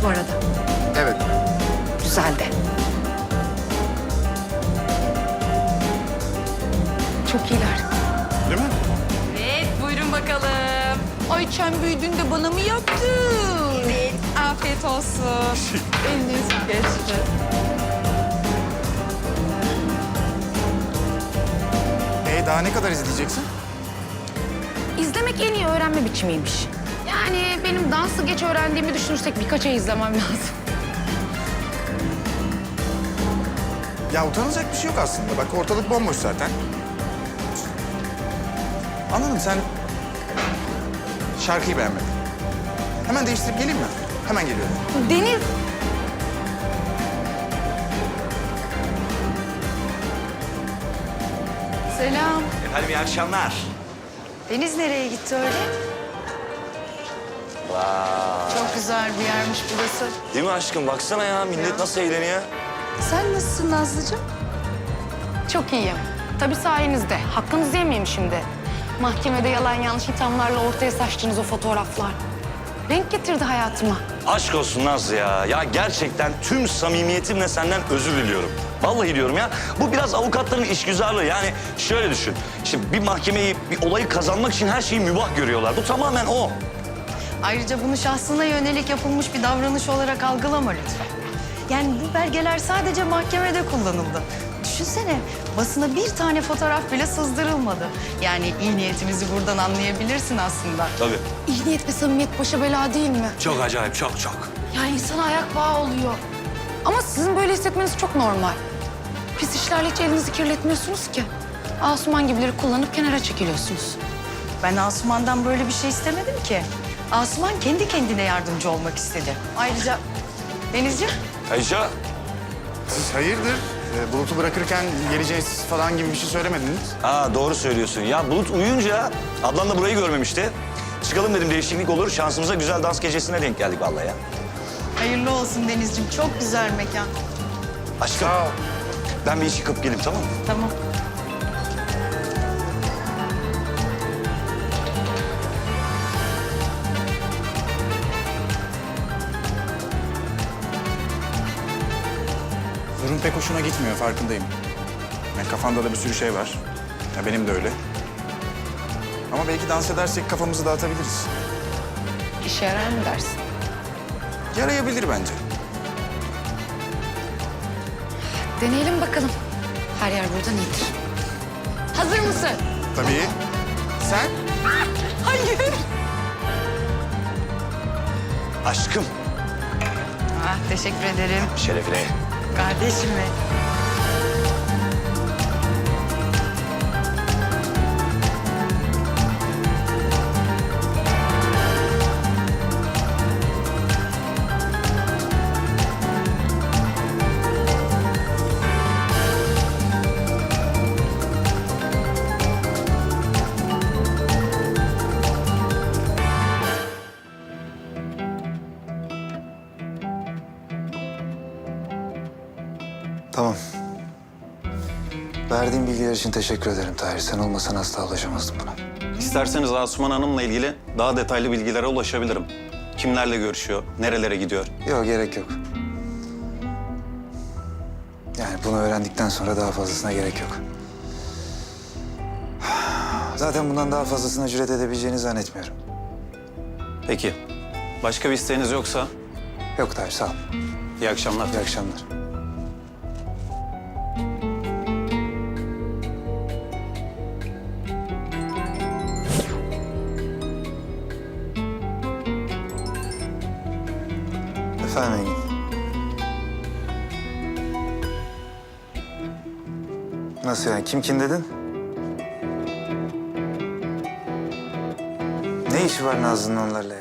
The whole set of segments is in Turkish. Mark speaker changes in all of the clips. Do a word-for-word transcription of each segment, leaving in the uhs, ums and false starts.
Speaker 1: bu arada?
Speaker 2: Evet.
Speaker 1: Güzel de. Çok iyiler.
Speaker 2: Değil mi?
Speaker 3: Evet, buyurun bakalım. Ay sen büyüdün de bana mı yaptın? Evet. Afiyet olsun. Eliniz geçti.
Speaker 2: Ee, daha ne kadar izleyeceksin?
Speaker 1: İzlemek en iyi öğrenme biçimiymiş. Yani benim dansı geç öğrendiğimi düşünürsek birkaç ay izlemem lazım.
Speaker 2: Ya utanılacak bir şey yok aslında. Bak ortalık bomboş zaten. Anladım, sen şarkıyı beğenmedin. Hemen değiştirip geleyim mi? Hemen geliyorum.
Speaker 1: Deniz.
Speaker 3: Selam.
Speaker 4: Efendim iyi akşamlar.
Speaker 3: Deniz nereye gitti öyle?
Speaker 4: Vay.
Speaker 3: Çok güzel bir yermiş burası.
Speaker 4: Değil mi aşkım? Baksana ya millet nasıl eğleniyor.
Speaker 3: Sen nasılsın Nazlıcığım?
Speaker 1: Çok iyiyim. Tabii sayenizde. Hakkınızı yemeyeyim şimdi. Mahkemede yalan yanlış ithamlarla ortaya saçtığınız o fotoğraflar. Renk getirdi hayatıma.
Speaker 4: Aşk olsun Nazlı ya. Ya gerçekten tüm samimiyetimle senden özür diliyorum. Vallahi diyorum ya. Bu biraz avukatların işgüzarlığı. Yani şöyle düşün. İşte bir mahkemeyi, bir olayı kazanmak için her şeyi mübah görüyorlar. Bu tamamen o.
Speaker 3: Ayrıca bunu şahsına yönelik yapılmış bir davranış olarak algılama lütfen. Yani bu belgeler sadece mahkemede kullanıldı. Düşünsene, basına bir tane fotoğraf bile sızdırılmadı. Yani iyi niyetimizi buradan anlayabilirsin aslında.
Speaker 4: Tabii.
Speaker 1: İyi niyet ve samimiyet başa bela değil mi?
Speaker 4: Çok acayip, çok çok.
Speaker 1: Yani insana ayak bağı oluyor. Ama sizin böyle hissetmeniz çok normal. Pis işlerle hiç elinizi kirletmiyorsunuz ki. Asuman gibileri kullanıp kenara çekiliyorsunuz.
Speaker 3: Ben Asuman'dan böyle bir şey istemedim ki. Asuman kendi kendine yardımcı olmak istedi. Ayrıca Denizciğim,
Speaker 4: Ayşe.
Speaker 2: Siz hayırdır? Ee, Bulut'u bırakırken geleceğiz falan gibi bir şey söylemediniz.
Speaker 4: Ha doğru söylüyorsun. Ya Bulut uyuyunca ablam da burayı görmemişti. Çıkalım dedim değişiklik olur. Şansımıza güzel dans gecesine denk geldik vallahi ya.
Speaker 3: hayırlı olsun Denizciğim. Çok güzel mekan.
Speaker 4: Aşkım.
Speaker 2: Sağ ol.
Speaker 4: Ben bir iş yıkıp geleyim tamam mı?
Speaker 3: Tamam.
Speaker 2: Durum pek hoşuna gitmiyor, farkındayım. Yani kafanda da bir sürü şey var. Ya benim de öyle. Ama belki dans edersek kafamızı dağıtabiliriz.
Speaker 1: İşe yarar mı dersin?
Speaker 2: Yarayabilir bence.
Speaker 1: Deneyelim bakalım. Her yer buradan iyidir. Hazır mısın?
Speaker 2: Tabii. Sen?
Speaker 1: Hayır.
Speaker 4: Aşkım.
Speaker 3: Ah, teşekkür ederim.
Speaker 4: Şerefine.
Speaker 3: Kardeşim be.
Speaker 5: Tamam. Verdiğin bilgiler için teşekkür ederim Tahir. Sen olmasan asla ulaşamazdım buna.
Speaker 6: İsterseniz Asuman Hanım'la ilgili daha detaylı bilgilere ulaşabilirim. Kimlerle görüşüyor, nerelere gidiyor?
Speaker 5: Yok, gerek yok. Yani bunu öğrendikten sonra daha fazlasına gerek yok. Zaten bundan daha fazlasına cüret edebileceğini zannetmiyorum.
Speaker 6: Peki. Başka bir isteğiniz yoksa
Speaker 5: Yok Tahir, sağ ol.
Speaker 6: iyi akşamlar.
Speaker 5: İyi akşamlar. Efendim Engin. Nasıl yani? Kim kim dedin? Ne işi var Nazlı'nın onlarla ya?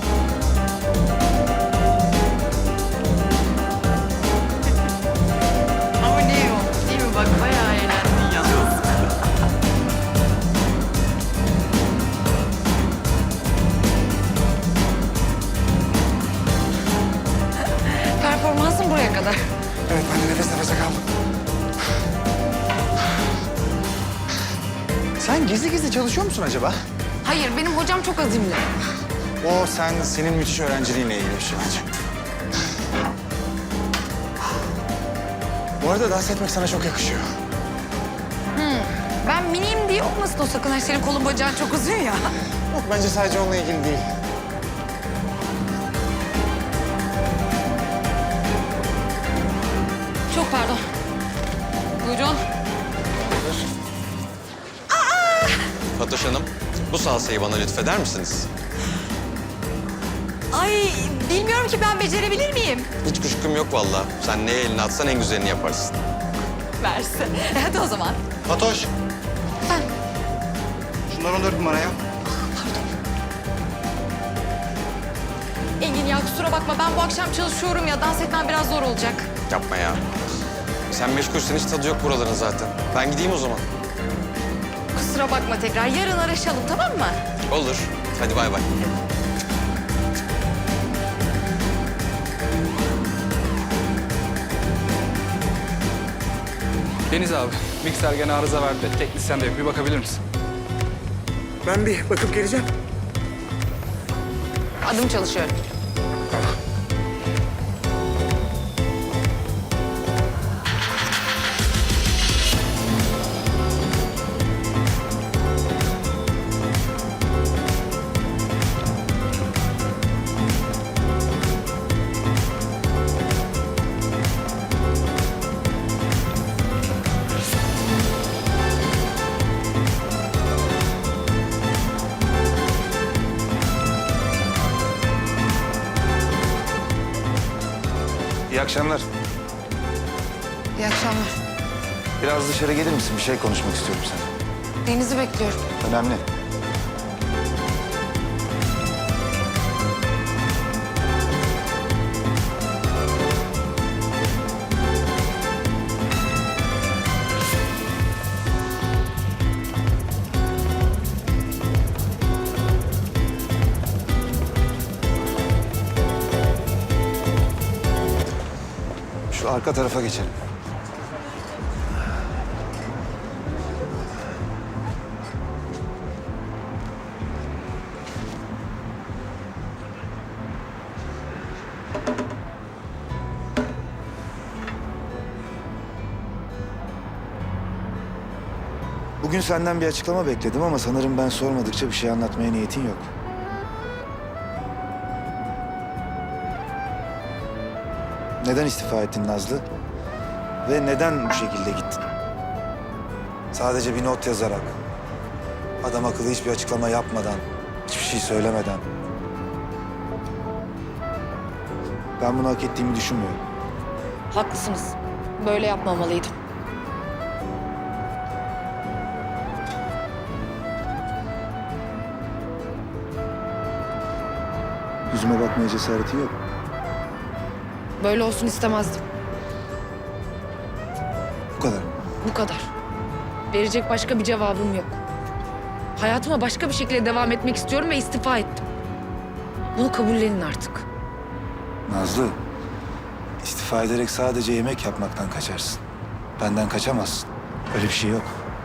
Speaker 3: Ama ne iyi oldu değil mi? Bak bayağı eğlendin yalnız.
Speaker 1: Performansın buraya kadar.
Speaker 2: Evet, ben de nefes nefese kaldım. Sen gizli gizli çalışıyor musun acaba?
Speaker 1: Hayır, benim hocam çok azimli.
Speaker 2: O sen, senin müthiş öğrenciliğinle ilgili bir şey bence. Bu arada dans etmek sana çok yakışıyor.
Speaker 1: Ben miniyim diye olmasın o sakın. Ay, senin kolun bacağın çok uzun ya.
Speaker 2: Yok bence sadece onunla ilgili değil.
Speaker 1: Çok pardon. Buyurun.
Speaker 7: Fatoş Hanım, bu salsayı bana lütfeder misiniz?
Speaker 3: Ay bilmiyorum ki ben becerebilir miyim?
Speaker 7: Hiç kuşkum yok vallahi. Sen neye elini atsan en güzelini yaparsın.
Speaker 3: Versin. Hadi o zaman.
Speaker 5: Fatoş. Şunları on dört numaraya.
Speaker 3: Engin ya kusura bakma ben bu akşam çalışıyorum ya dans etmem biraz zor olacak.
Speaker 7: Yapma ya. Sen meşgulsün, hiç tadı yok buraların zaten. Ben gideyim o zaman.
Speaker 3: Kusura bakma tekrar yarın araşalım tamam mı?
Speaker 7: Olur. Hadi bay bay.
Speaker 8: Deniz abi, mikser gene arıza verdi. Teknisyen de yok. Bir bakabilir misin?
Speaker 2: Ben bir bakıp geleceğim.
Speaker 1: Adım çalışıyor.
Speaker 5: İyi akşamlar.
Speaker 1: İyi akşamlar.
Speaker 5: Biraz dışarı gelir misin? Bir şey konuşmak istiyorum seninle.
Speaker 1: Deniz'i bekliyorum.
Speaker 5: Önemli. Şu arka tarafa geçelim. Bugün senden bir açıklama bekledim ama sanırım ben sormadıkça bir şey anlatmaya niyetin yok. Neden istifa ettin Nazlı? Ve neden bu şekilde gittin? Sadece bir not yazarak, adam akıllı hiçbir açıklama yapmadan, hiçbir şey söylemeden. Ben bunu hak ettiğimi düşünmüyorum.
Speaker 1: Haklısınız. Böyle yapmamalıydım.
Speaker 5: Yüzüme bakmaya cesaretin yok.
Speaker 1: Böyle olsun istemezdim.
Speaker 5: Bu kadar.
Speaker 1: Bu kadar. Verecek başka bir cevabım yok. Hayatıma başka bir şekilde devam etmek istiyorum ve istifa ettim. Bunu kabullenin artık.
Speaker 5: Nazlı, istifa ederek sadece yemek yapmaktan kaçarsın. Benden kaçamazsın. Öyle bir şey yok.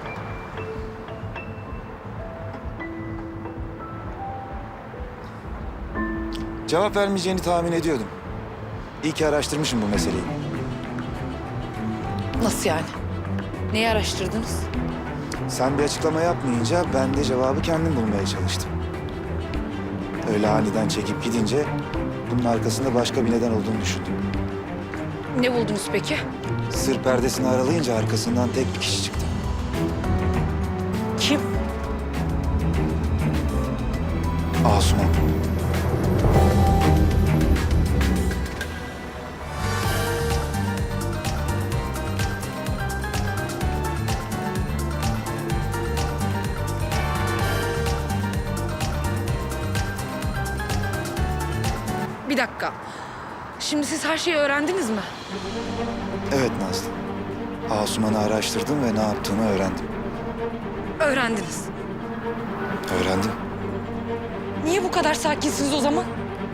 Speaker 5: Cevap vermeyeceğini tahmin ediyordum. İyi ki araştırmışım bu meseleyi.
Speaker 1: Nasıl yani? Neyi araştırdınız?
Speaker 5: Sen bir açıklama yapmayınca ben de cevabı kendim bulmaya çalıştım. Öyle aniden çekip gidince bunun arkasında başka bir neden olduğunu düşündüm.
Speaker 1: Ne buldunuz peki?
Speaker 5: Sır perdesini aralayınca arkasından tek bir kişi çıktı.
Speaker 1: Kim?
Speaker 5: Asuman.
Speaker 1: Bir dakika. Şimdi siz her şeyi öğrendiniz mi?
Speaker 5: Evet Nazlı. Asuman'ı araştırdım ve ne yaptığını öğrendim.
Speaker 1: Öğrendiniz.
Speaker 5: Öğrendim.
Speaker 1: Niye bu kadar sakinsiniz o zaman?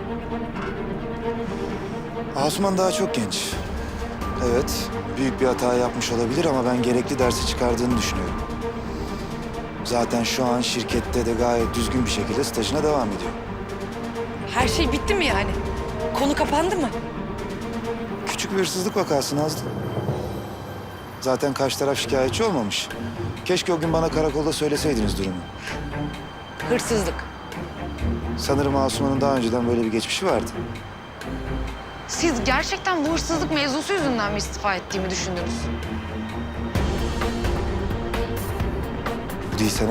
Speaker 5: Asuman daha çok genç. Evet, büyük bir hata yapmış olabilir ama ben gerekli dersi çıkardığını düşünüyorum. Zaten şu an şirkette de gayet düzgün bir şekilde stajına devam ediyor.
Speaker 1: Her şey bitti mi yani? Konu kapandı mı?
Speaker 5: küçük bir hırsızlık vakası Nazlı. Zaten karşı taraf şikayetçi olmamış. Keşke o gün bana karakolda söyleseydiniz durumu.
Speaker 1: Hırsızlık.
Speaker 5: Sanırım Asuman'ın daha önceden böyle bir geçmişi vardı.
Speaker 1: Siz gerçekten bu hırsızlık mevzusu yüzünden mi istifa ettiğimi düşündünüz?
Speaker 5: Bu değilse ne?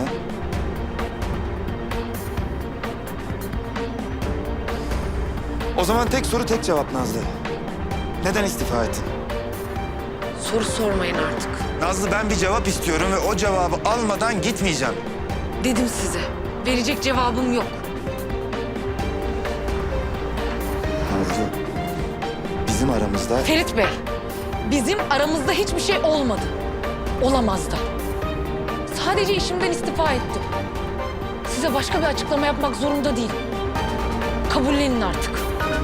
Speaker 5: O zaman tek soru tek cevap Nazlı. Neden istifa ettin?
Speaker 1: Soru sormayın artık.
Speaker 5: Nazlı ben bir cevap istiyorum ve o cevabı almadan gitmeyeceğim.
Speaker 1: Dedim size. Verecek cevabım yok.
Speaker 5: Nazlı, bizim aramızda...
Speaker 1: Ferit Bey, bizim aramızda hiçbir şey olmadı. Olamaz da. Sadece işimden istifa ettim. Size başka bir açıklama yapmak zorunda değilim. Kabullenin artık.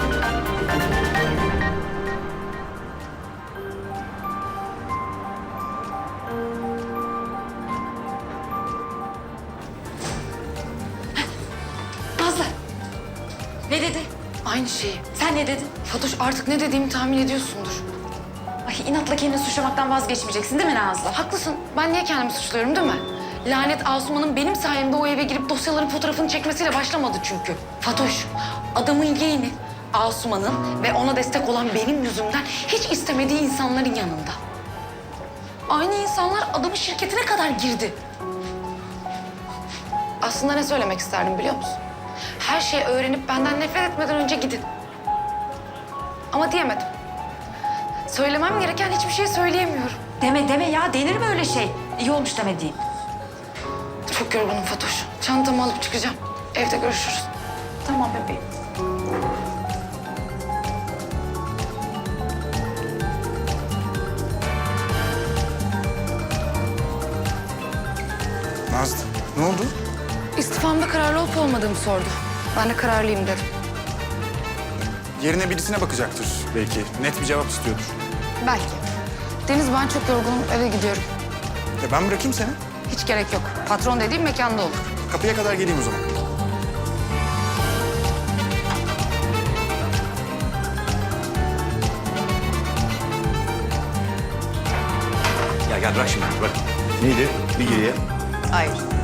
Speaker 3: Nazlı. Ne dedi?
Speaker 1: Aynı şeyi.
Speaker 3: Sen ne dedin?
Speaker 1: Fatoş, artık ne dediğimi tahmin ediyorsundur.
Speaker 3: Ay inatla kendini suçlamaktan vazgeçmeyeceksin değil mi Nazlı?
Speaker 1: Haklısın. Ben niye kendimi suçluyorum değil mi? Lanet Asuman'ın benim sayemde o eve girip dosyaların fotoğrafını çekmesiyle başlamadı çünkü. Fatoş, adamın yeğeni Asuman'ın ve ona destek olan benim yüzümden hiç istemediği insanların yanında. Aynı insanlar adamın şirketine kadar girdi. Aslında ne söylemek isterdim biliyor musun? Her şeyi öğrenip benden nefret etmeden önce gidin. Ama diyemedim. Söylemem gereken hiçbir şey söyleyemiyorum.
Speaker 3: Deme deme ya, denir mi öyle şey? İyi olmuş demediğin.
Speaker 1: Çok yorgunum Fatoş. Çantamı alıp çıkacağım. Evde görüşürüz.
Speaker 3: Tamam bebeğim.
Speaker 2: Nazlı, ne oldu?
Speaker 1: İstifamda kararlı olup olmadığımı sordu. Ben de kararlıyım dedim.
Speaker 2: Yerine birisine bakacaktır belki. Net bir cevap istiyordur.
Speaker 1: Belki. Deniz, ben çok yorgunum. Eve gidiyorum.
Speaker 2: E ben bırakayım seni.
Speaker 1: Hiç gerek yok. Patron dediğim mekanda olur.
Speaker 2: Kapıya kadar geleyim o zaman.
Speaker 4: Ya gel bırak şimdi bırak.
Speaker 5: Neydi? Bir geriye.
Speaker 3: Hayır.